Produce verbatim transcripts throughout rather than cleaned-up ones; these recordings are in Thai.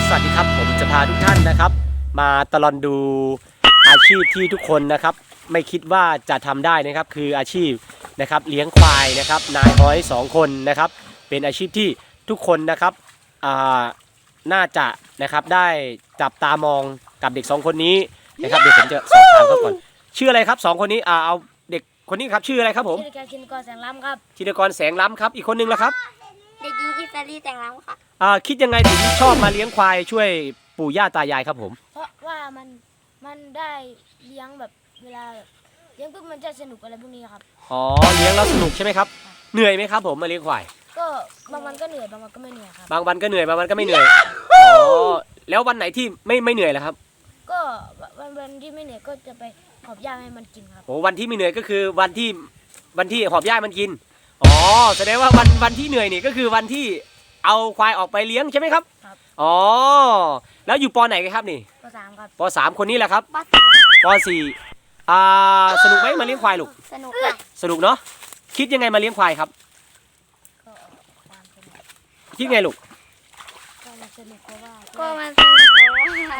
สวัสดีครับผมจะพาทุกท่านนะครับมาตลอดดูอาชีพที่ทุกคนนะครับไม่คิดว่าจะทำได้นะครับคืออาชีพนะครับเลี้ยงควายนะครับนายฮ้อยสองคนนะครับเป็นอาชีพที่ทุกคนนะครับน่าจะนะครับได้จับตามองกับเด็กสองคนนี้นะครับเดี๋ยวผมจะสอบถามเขาก่อนชื่ออะไรครับสองคนนี้เอาเด็กคนนี้ครับชื่ออะไรครับผมชื่อชินกรแสงล้ำครับชินกรแสงล้ำครับอีกคนนึงล่ะครับเด็กหญิงอิสรีแสงล้ำค่ะอ่าคิดยังไงถึงชอบมาเลี้ยงควายช่วยปู่ย่าตายายครับผมเพราะว่ามันมันได้เลี้ยงแบบเวลาเลี้ยงปุ๊บมันจะสนุกอะไรพวกนี้ครับอ๋อเลี้ยงแล้วสนุกใช่ไหมครับเหนื่อยไหมครับผมมาเลี้ยงควายก็บางวันก็เหนื่อยบางวันก็ไม่เหนื่อยครับบางวันก็เหนื่อยบางวันก็ไม่เหนื่อยอ๋อแล้ววันไหนที่ไม่ไม่เหนื่อยล่ะครับก็วันวันที่ไม่เหนื่อยก็จะไปหอบหญ้าให้มันกินครับโอ้วันที่ไม่เหนื่อยก็คือวันที่วันที่หอบหญ้ามันกินอ๋อแสดงว่าวันวันที่เหนื่อยนี่ก็คือวันที่เอาควายออกไปเลี้ยงใช่ไหมครับครับอ๋อแล้วอยู่ป.ไหนกันครับนี่ป.สามครับป.สามคนนี้แหละครับป.สี่อ่าสนุกไหมมาเลี้ยงควายลูกสนุกค่ะสนุกเนาะคิดยังไงมาเลี้ยงควายครับก็ความสนุกคิดไงลูกก็มันสนุกเพราะว่าก็มันสนุกเพราะว่า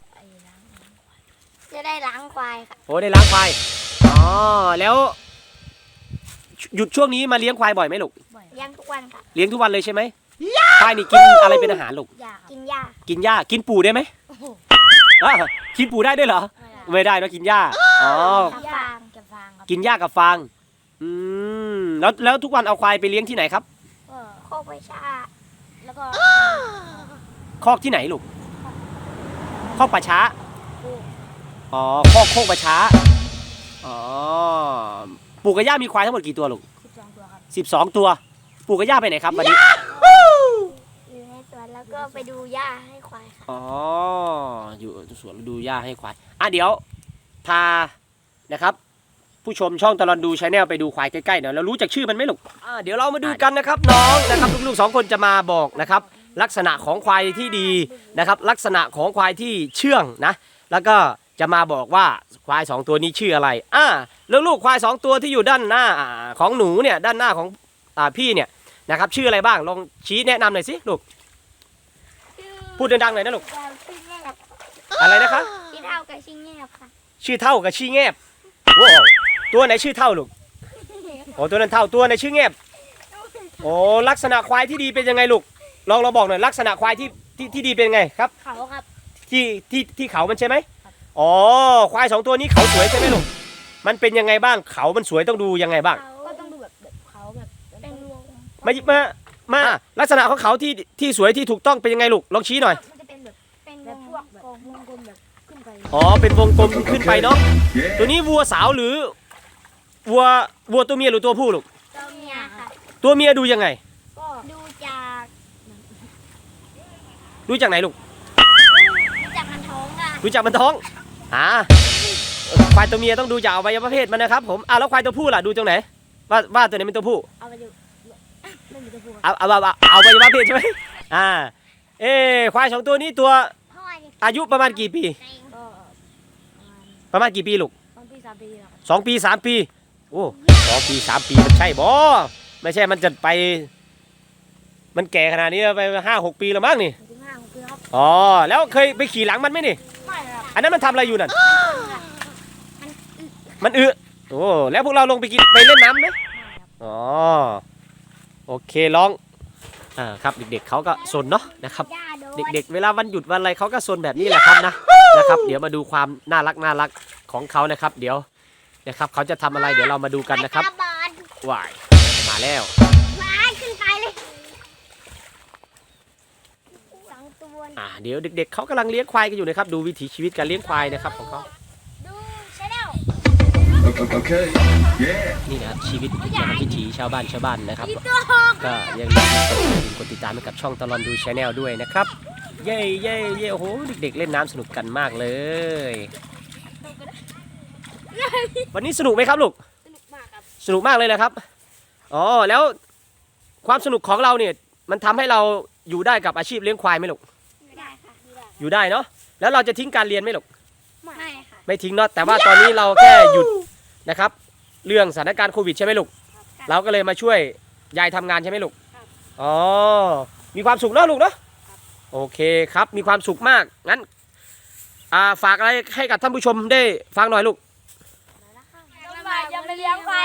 จะได้ล้างควายค่ะโอ้ได้ล้างควายอ๋อแล้วหยุดช่วงนี้มาเลี้ยงควายบ่อยไหมลูกเลี้ยงทุกวันค่ะเลี้ยงทุกวันเลยใช่ไหมควายนี่กินอะไรเป็นอาหารลูกกินหญ้ากินหญ้ากินปูได้ไหมกินปูได้ด้วยเหรอไม่ได้นะกินหญ้าอ๋อฟางกับฟางครับกินหญ้ากับฟางอืมแล้วแล้วทุกวันเอาควายไปเลี้ยงที่ไหนครับก็โคกไปชาแล้วก็คอกที่ไหนลูกคอกป่าช้าอ๋อคอกโคกป่าช้าอ๋อปู่กับย่ามีควายทั้งหมดกี่ตัวลูกสิบสองตัวครับสิบสองตัวปู่กับย่าไปไหนครับวันนี้อยู่ในสวนแล้วก็ไปดูหญ้าให้ควายค่ะอ๋ออยู่สวนดูหญ้าให้ควายอ่ะเดี๋ยวพานะครับผู้ชมช่องตลอดดูชาแนลไปดูควายใกล้ๆหน่อยแล้วรู้จักชื่อมันไหมลูกอ่าเดี๋ยวเรามาดูกันนะครับน้องนะครับลูกๆสองคนจะมาบอกนะครับลักษณะของควายที่ดีนะครับลักษณะของควายที่เชื่องนะแล้วก็จะมาบอกว่าควายสองตัวนี้ชื่ออะไรอ่าแล้วลูกควายสองตัวที่อยู่ด้านหน้าของหนูเนี่ยด้านหน้าของอ่าพี่เนี่ยนะครับชื่ออะไรบ้างลองชี้แนะนำหน่อยสิลูกพูดดังๆหน่อยนะลูกอะไรนะคะชื่อเท่ากับชื่อแงบค่ะชื่อเท่ากับชื่อแงบว้าวตัวไหนชื่อเท่าลูกโอ้ตัวนั้นเท่าตัวไหนชื่อแงบโอ้ลักษณะควายที่ดีเป็นยังไงลูกลองเราบอกหน่อยลักษณะควายที่ที่ที่ดีเป็นไงครับเขาครับที่ที่ที่เขามันใช่ไหมอ๋อควายสองตัวนี้เขาสวยใช่ไหมลูกมันเป็นยังไงบ้างเขามันสวยต้องดูยังไงบ้างก็ต้องดูแบบเขาแบบเป็นวงมามามาลักษณะของเขาที่ที่สวยที่ถูกต้องเป็นยังไงลูกลองชี้หน่อยมันจะเป็นแบบเป็นแบบพวกแบบวงกลมแบบขึ้นไปอ๋อเป็นวงกลมขึ้นไปเนาะตัวนี้วัวสาวหรือวัววัวตัวเมียหรือตัวผู้ลูกตัวเมียค่ะตัวเมียดูยังไงก็ดูจากดูจากไหนลูกดูจากมันท้องค่ะดูจากมันท้องอ่าควายตัวเมียต้องดูจากอวัยวะเพศมันนะครับผมอ่าแล้วควายตัวผู้ล่ะดูตรงไหนว่าว่าตัวไหนเป็นตัวผู้เอาไปดูไม่มีตัวผู้เอาเอาเอาเอาอวัยวะเพศใช่ไหมอ่าเอควายสองตัวนี้ตัวอายุประมาณกี่ปีประมาณกี่ปีลูกสองปีสามปีสองปีสามปีโอ้สองปีสามปีมันใช่บ่ไม่ใช่มันจะไปมันแก่ขนาดนี้ไปห้าหกปีแล้วมั้งนี่อ๋อแล้วเคยไปขี่หลังมันไหมนี่ไม่ครับอันนั้นมันทำอะไรอยู่นั่นมันอึโอ้แล้วพวกเราลงไปกินไปเล่นน้ำไหมอ๋อโอเคลองอ่าครับเด็กๆเขาก็ซนเนาะนะครับเด็กๆเวลาวันหยุดวันอะไรเขาก็ซนแบบนี้แหละครับนะนะครับเดี๋ยวมาดูความน่ารักน่ารักของเขานะครับเดี๋ยวนะครับเขาจะทำอะไรเดี๋ยวเรามาดูกันนะครับว้ายมาแล้วว้ายขึ้นไปเลยอ่าเดี๋ยวเด็กๆเขากำลังเลี้ยงควายกันอยู่นะครับดูวิถีชีวิตการเลี้ยงควายนะครับของเขาดูชาแนลนี่นะครับชีวิตนะครับวิถีชาวบ้านชาวบ้านนะครับก็ยังมีกดติดตามให้กับช่องตลอดดูชาแนลด้วยนะครับเย่เย่เย่โอ้โหเด็กๆเล่นน้ำสนุกกันมากเลยวันนี้สนุกไหมครับลูกสนุกมากครับสนุกมากเลยนะครับอ๋อแล้วความสนุกของเราเนี่ยมันทำให้เราอยู่ได้กับอาชีพเลี้ยงควายไหมลูกได้ค่ะอยู่ได้เนาะแล้วเราจะทิ้งการเรียนไหมลูกไม่ค่ะไม่ทิ้งเนาะแต่ว่าตอนนี้เราแค่หยุดนะครับเรื่องสถานการณ์โควิดใช่ไหมลูกเราก็เลยมาช่วยยายทำงานใช่ไหมลูกอ๋อมีความสุขเนาะลูกเนาะโโอเคครับมีความสุขมากงั้นอ่าฝากอะไรให้กับท่านผู้ชมได้ฟังหน่อยลูกน้องหมาจะไปเลี้ยงควาย